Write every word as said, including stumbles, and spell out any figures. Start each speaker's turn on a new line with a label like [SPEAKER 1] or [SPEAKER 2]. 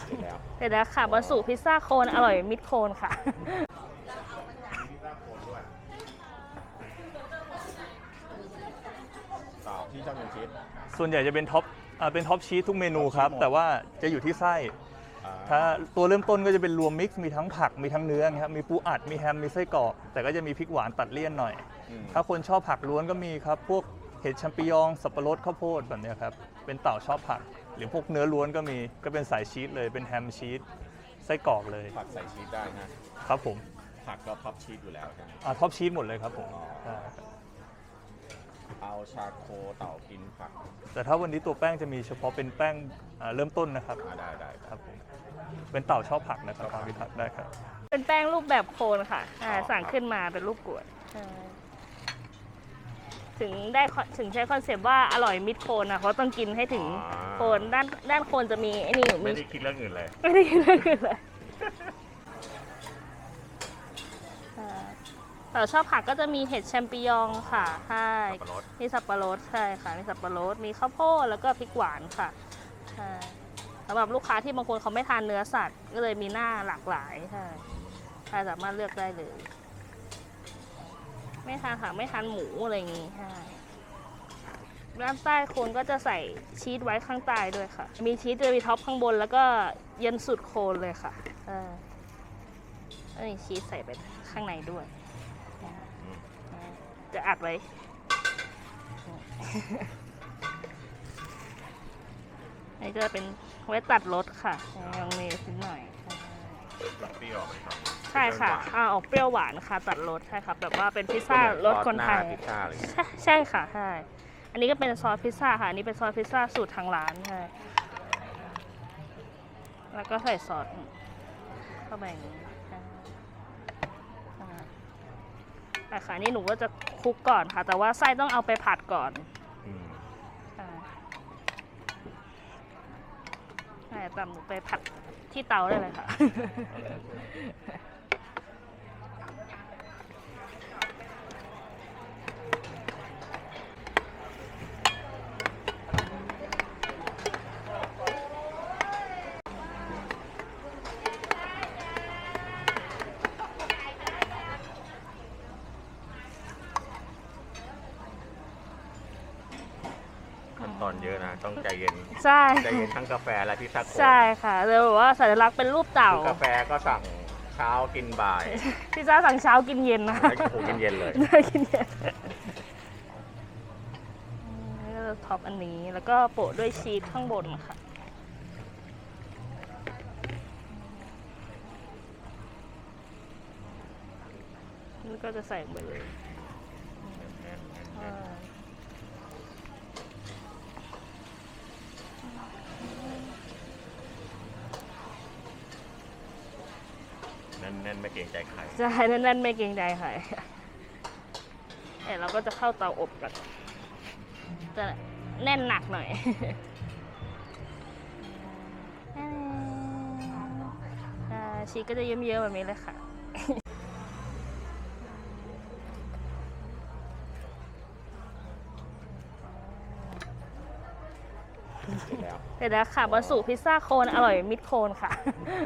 [SPEAKER 1] เดี๋ยวนะค่ะบะสุพิซซ่าโคนอร่อยมิดโคนค่ะ
[SPEAKER 2] ต่อที่ชอบกินชีส
[SPEAKER 3] ส่วนใหญ่จะเป็นท็อปเป็นท็อปชีสทุกเมนูครับแต่ว่าจะอยู่ที่ไส้ถ้าตัวเริ่มต้นก็จะเป็นรวมมิกซ์มีทั้งผักมีทั้งเนื้อครับมีปูอัดมีแฮมมีไส้กรอกแต่ก็จะมีพริกหวานตัดเลี่ยนหน่อยถ้าคนชอบผักล้วนก็มีครับพวกเห็ดแชมปิญองสับปะรดข้าวโพดแบบนี้ครับเป็นเต่าชอบผักหรือพวกเนื้อล้วนก็มีก็เป็นสายชีสเลยเป็นแฮมชีสไส้กรอกเลย
[SPEAKER 2] ผักใส่ชีสได้นะครับ
[SPEAKER 3] ผม
[SPEAKER 2] ผักก็ท็อปชีสอยู่แล้วใช่ไหม
[SPEAKER 3] อ่าท็อปชีสหมดเลยครับผม
[SPEAKER 2] เอาชาโคเต่ากินผัก
[SPEAKER 3] แต่ถ้าวันนี้ตัวแป้งจะมีเฉพาะเป็นแป้งเริ่มต้นนะครับ
[SPEAKER 2] ได้ได้
[SPEAKER 3] ครับผมเป็นเต่าชอบผักนะครับทางวิทักษ์ได้ครับ
[SPEAKER 1] เป็นแป้งรูปแบบโคนค่ะสั่งขึ้นมาเป็นรูปกรวดถึงได้ถึงใช้คอนเซปต์ว่าอร่อยมิดโคนนะเขาต้องกินให้ถึงโคนด้านด้านโคนจะมีไอ้นี่
[SPEAKER 3] ไม่ได้คิดเรื่องอื่นเลย
[SPEAKER 1] ไม่ได้คิดเรื่องอื่นเลยแต่ชอบผักก็จะมีเห็ดแชมปิญองค่ะใช่มีสับปะรดใช่ค่ะมีสับปะรดมีข้าวโพดแล้วก็พริกหวานค่ะใช่สำหรับลูกค้าที่บางคนเขาไม่ทานเนื้อสัตว์ก็เลยมีหน้าหลากหลายใช่ใครสามารถเลือกได้เลยไม่ทานผักไม่ทานหมูอะไรอย่างงี้ใช่ด้านใต้โคนก็จะใส่ชีสไว้ข้างใต้ด้วยค่ะมีชีสจะมีท็อปข้างบนแล้วก็เย็นสุดโคนเลยค่ะเออแล้วมีชีสใส่ไปข้างในด้วยจะอัดไว้นี่จะเป็นไว้ตัดรสค่ะลองเนยนิดหน่อย
[SPEAKER 2] เปรี้ยวไหมครับ
[SPEAKER 1] ใช่ค่ะอ่าออกเปรี้ยวหวานค่ะตัดรสใช่ครับแบบว่าเป็นพิซซ่ารสคนไทยใช่ใช่ค่ะใช่อันนี้ก็เป็นซอสพิซซ่าค่ะอันนี้เป็นซอสพิซซ่าสูตรทางร้านใช่แล้วก็ใส่ซอสเข้าไปอย่างนี้แต่ค่ะนี่หนูก็จะคลุกก่อนค่ะแต่ว่าไส้ต้องเอาไปผัดก่อนใช่ตามหนูไปผัดที่เตาได้เลยค่ะ
[SPEAKER 2] ตอนเยอะนะต้องใจเย็น
[SPEAKER 1] ใช่
[SPEAKER 2] ใจเย็นทั้งกาแฟและพิซซ่า
[SPEAKER 1] ใช่ค่ะเลยบอกว่าสัญลักษณ์เป็นรูปเต่าก
[SPEAKER 2] าแฟก็สั่งเช้ากินบ่าย
[SPEAKER 1] พิซซ่าสั่งเช้ากินเย็นนะ
[SPEAKER 2] ไม่กินเย็นเลย
[SPEAKER 1] กินเย็นนี่ก็ท็อปอันนี้แล้วก็โปะด้วยชีสข้างบนค่ะนี่ก็จะใส่ไปเลย
[SPEAKER 2] แน่นๆไม่เกรงใจใคร
[SPEAKER 1] ใช่แน่นๆไม่เกรงใจใครเดี๋ยวเราก็จะเข้าเตาอบกันจะแน่นหนักหน่อยชีสก็จะเยิ้มๆแบบนี้เลยค่ะเดี๋ยวนะค่ะบะสุพิซซ่าโคนอร่อยมิดโคนค่ะ